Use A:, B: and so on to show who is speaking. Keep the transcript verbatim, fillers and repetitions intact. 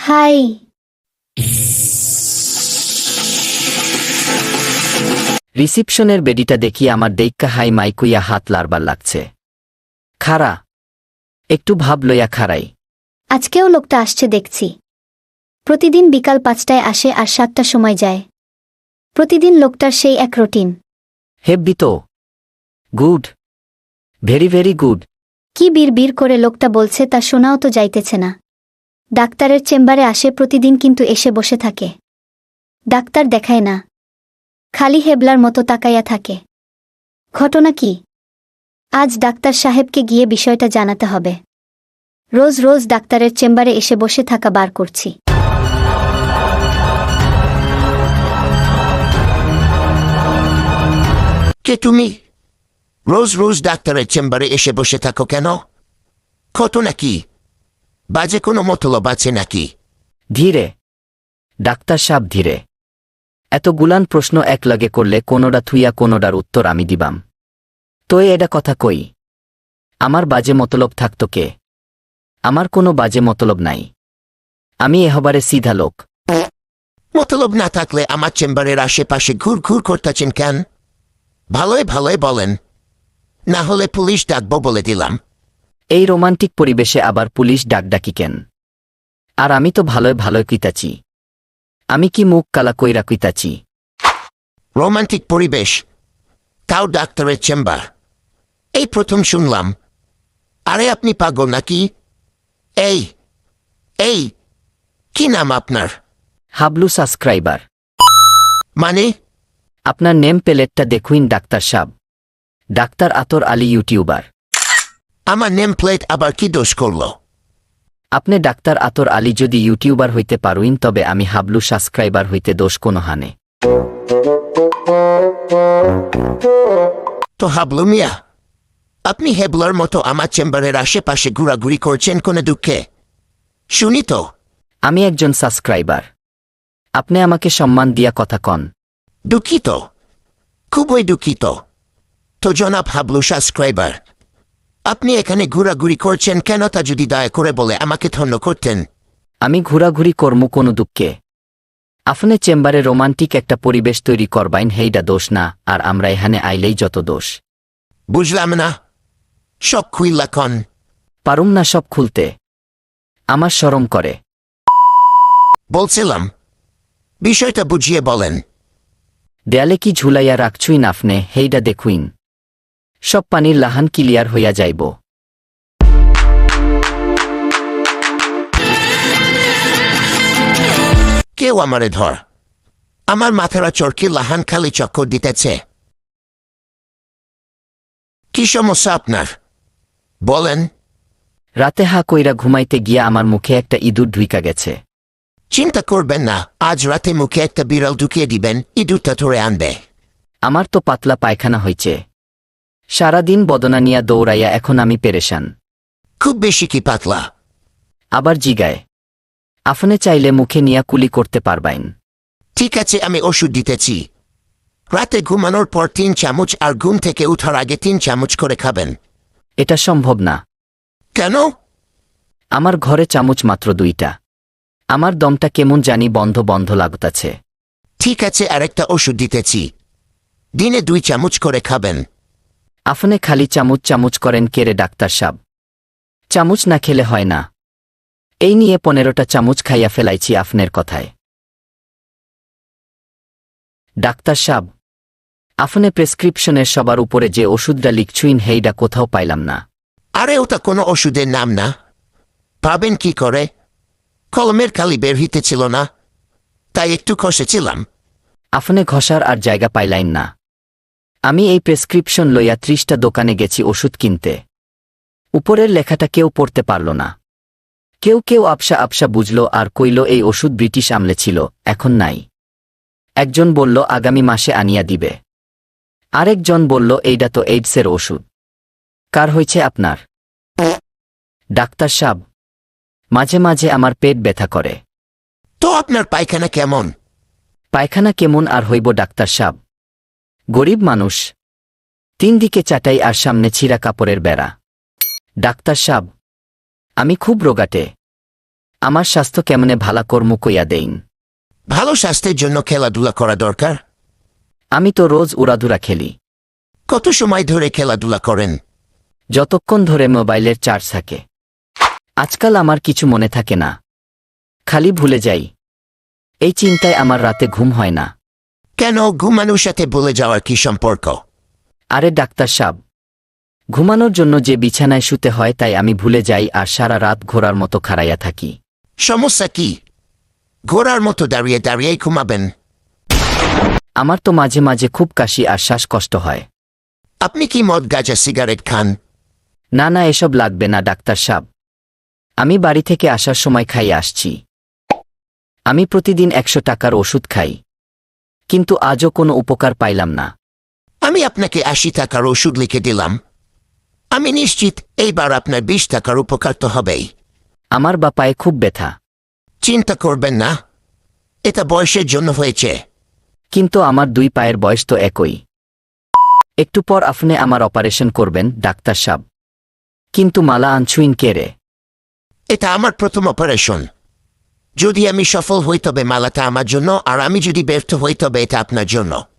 A: High.
B: রিসিপশনের বেডিটা দেখি আমার দেইক্কা high মাইকুইয়া হাত লারবার লাগছে। খারা একটু ভাব লইয়া খারাই।
A: আজকেও লোকটা আসছে দেখছি। প্রতিদিন বিকাল পাঁচটায় আসে আর সাতটার সময় যায়। প্রতিদিন লোকটার সেই এক রুটিন।
B: হেব্বি তো। Good, very very good.
A: কি বীর বীর করে লোকটা বলছে তা শোনাও তো যাইতেছে না। ডাক্তারের চেম্বারে আসে প্রতিদিন, কিন্তু এসে বসে থাকে। ডাক্তার দেখায় না, খালি হেবলার মতো তাকাইয়া থাকে। ঘটনা কি? আজ ডাক্তার সাহেবকে গিয়ে বিষয়টা জানাতে হবে। রোজ রোজ ডাক্তারের চেম্বারে এসে বসে থাকা বার করছি।
C: কে তুমি? রোজ রোজ ডাক্তারের চেম্বারে এসে বসে থাকো কেন? ঘটনা কি? বাজে কোনো মতলব আছে নাকি?
B: ধীরে ডাক্তার সাহেব, ধীরে। এত গুলান প্রশ্ন একলগে করলে কোনোডা থুইয়া কোনোডার উত্তর আমি দিবাম। তোই এটা কথা কই। আমার বাজে মতলব থাকতো কে? আমার কোনো বাজে মতলব নাই। আমি এহবারে সিধা লোক।
C: মতলব না থাকলে আমার চেম্বারের আশেপাশে ঘুর ঘুর করতেছেন কেন? ভালোই ভালোই বলেন, না হলে পুলিশ ডাকবো বলে দিলাম।
B: এই রোমান্টিক পরিবেশে আবার পুলিশ ডাকডাকি কেন? আর আমি তো ভালোই ভালোই কইতাছি। আমি কি মুখ কালা কইরা কইতাছি?
C: রোমান্টিক পরিবেশ, তাও ডাক্তারের চেম্বার, এই প্রথম শুনলাম। আরে আপনি পাগল নাকি? এই এই কি নাম আপনার?
B: হাবলু সাবস্ক্রাইবার।
C: মানে?
B: আপনার নেম প্লেটটা দেখুইন ডাক্তার সাহেব। Doctor Atar Ali, YouTuber.
C: আমার নেম প্লেট আবার কি দোষ করল?
B: আপনি ডাক্তার আতর আলী যদি ইউটিউবার হইতে পারুইন, তবে আমি হাবলু সাবস্ক্রাইবার হইতে দোষ কোনো হানে।
C: তো হাবলু মিয়া, আপনি হেবলার মতো আমার চেম্বারের আশেপাশে ঘোরাঘুরি করছেন কোনে দুঃখে? শুনি তো।
B: আমি একজন সাবস্ক্রাইবার। আপনি আমাকে সম্মান দিয়া কথা কন।
C: দুঃখিত, খুবই দুঃখিত। তো জনাব হাবলু সাবস্ক্রাইবার, আপনি এখানে ঘোরাঘুরি করছেন কেন তা যদি দয়া করে বলে আমাকে ধন্য করতেন।
B: আমি ঘোরাঘুরি কর্ম কোনো দুঃখে। আপনি চেম্বারে রোমান্টিক একটা পরিবেশ তৈরি করবাইন, হেইডা দোষ না, আর আমরা এখানে আইলেই যত দোষ।
C: বুঝলাম না, সব খুইল্লা কন।
B: পারুম না সব খুলতে, আমার শরম করে।
C: বলছিলাম, বিষয়টা বুঝিয়ে বলেন।
B: দেয়ালে কি ঝুলাইয়া রাখছুইন আপনে, হেইডা দেখুইন। সব পানির লাহান ক্লিয়ার হইয়া যাইব।
C: কেউ আমারে ধর, আমার মাথারা চরকি লাহান খালি চক্কর দিতেছে। কি সমস্যা আপনার বলেন?
B: রাতে হা কইরা ঘুমাইতে গিয়া আমার মুখে একটা ইঁদুর ঢুইকা গেছে।
C: চিন্তা করবেন না, আজ রাতে মুখে একটা বিড়াল ঢুকিয়ে দিবেন, ইঁদুরটা ধরে আনবে।
B: আমার তো পাতলা পায়খানা হইছে। সারাদিন বদনা নিয়া দৌড়াইয়া এখন আমি পেরেশান।
C: খুব বেশি কি পাতলা?
B: আবার জিগায়। আপনি চাইলে মুখে নিয়া কুলি করতে পারবাইন।
C: ঠিক আছে, আমি ওষুধ দিতেছি। রাতে ঘুমানোর পর তিন চামচ, আর ঘুম থেকে উঠার আগে তিন চামচ করে খাবেন।
B: এটা সম্ভব না।
C: কেন?
B: আমার ঘরে চামচ মাত্র দুইটা। আমার দমটা কেমন জানি বন্ধ বন্ধ লাগতাছে।
C: ঠিক আছে, আরেকটা ওষুধ দিতেছি, দিনে দুই চামচ করে খাবেন।
B: আপনি খালি চামচ চামচ করেন কেরে ডাক্তার সাহেব? চামচ না খেলে হয় না। এই নিয়ে পনেরোটা চামচ খাইয়া ফেলাইছি আপনার কথায়। ডাক্তার সাহেব, আপনি প্রেসক্রিপশনের সবার উপরে যে ওষুধটা লিখছুইন, হেইডা কোথাও পাইলাম না।
C: আরে ওটা কোনো ওষুধের নাম না, পাবেন কি করে? কলমের কালি বের হইতেছিল না, তাই একটু খসেছিলাম।
B: আপনি ঘষার আর জায়গা পাইলাইন না। আমি এই প্রেসক্রিপশন লইয়া ত্রিশটা দোকানে গেছি ওষুধ কিনতে। উপরের লেখাটা কেউ পড়তে পারল না। কেউ কেউ আপসা আপসা বুঝল আর কইল এই ওষুধ ব্রিটিশ আমলে ছিল, এখন নাই। একজন বলল আগামী মাসে আনিয়া দিবে। আরেকজন বলল এইডা তো এইডসের ওষুধ। কার হইছে আপনার? ডাক্তার সাহেব, মাঝে মাঝে আমার পেট ব্যথা করে।
C: তো আপনার পায়খানা কেমন?
B: পায়খানা কেমন আর হইব ডাক্তার সাহেব? গরিব মানুষ। তিন দিকে চাটাই আর সামনে ছিঁড়া কাপড়ের বেড়া। ডাক্তার সাহেব, আমি খুব রোগাটে। আমার স্বাস্থ্য কেমনে ভালা কর্ম কইয়া দেইন।
C: ভালো স্বাস্থ্যের জন্য খেলাধুলা করা দরকার।
B: আমি তো রোজ উড়াদুরা খেলি।
C: কত সময় ধরে খেলাধুলা করেন?
B: যতক্ষণ ধরে মোবাইলের চার্জ থাকে। আজকাল আমার কিছু মনে থাকে না, খালি ভুলে যাই। এই চিন্তায় আমার রাতে ঘুম হয় না।
C: কেন, ঘুমানোর সাথে ভুলে যাওয়ার কি সম্পর্ক?
B: আরে ডাক্তার সাব, ঘুমানোর জন্য যে বিছানায় শুতে হয় তাই আমি ভুলে যাই আর সারা রাত ঘোড়ার মতো খাড়াইয়া থাকি।
C: সমস্যা কি? ঘোড়ার মতো দাঁড়িয়ে দাঁড়িয়েই ঘুমাবেন?
B: আমার তো মাঝে মাঝে খুব কাশি আর শ্বাসকষ্ট হয়।
C: আপনি কি মদ, গাঁজা, সিগারেট খান?
B: না না, এসব লাগবে না ডাক্তার সাব। আমি বাড়ি থেকে আসার সময় খাইয়ে আসছি। আমি প্রতিদিন একশো টাকার ওষুধ খাই, কিন্তু আজও কোনো উপকার পাইলাম না।
C: আমি আপনাকে আশি টাকার ওষুধ লিখে দিলাম। আমি নিশ্চিত এইবার আপনার বিশ টাকার উপকার তো হবেই।
B: আমার বা পায়ে খুব ব্যথা।
C: চিন্তা করবেন না, এটা বয়সের জন্য হয়েছে।
B: কিন্তু আমার দুই পায়ের বয়স তো একই। একটু পর আপনি আমার অপারেশন করবেন ডাক্তার সাব। কিন্তু মালা আনছুইন কে রে?
C: এটা আমার প্রথম অপারেশন। যদি আমি সফল হই তবে মালাটা আমার জন্য, আর আমি যদি ব্যর্থ হই তবে এটা আপনার জন্য।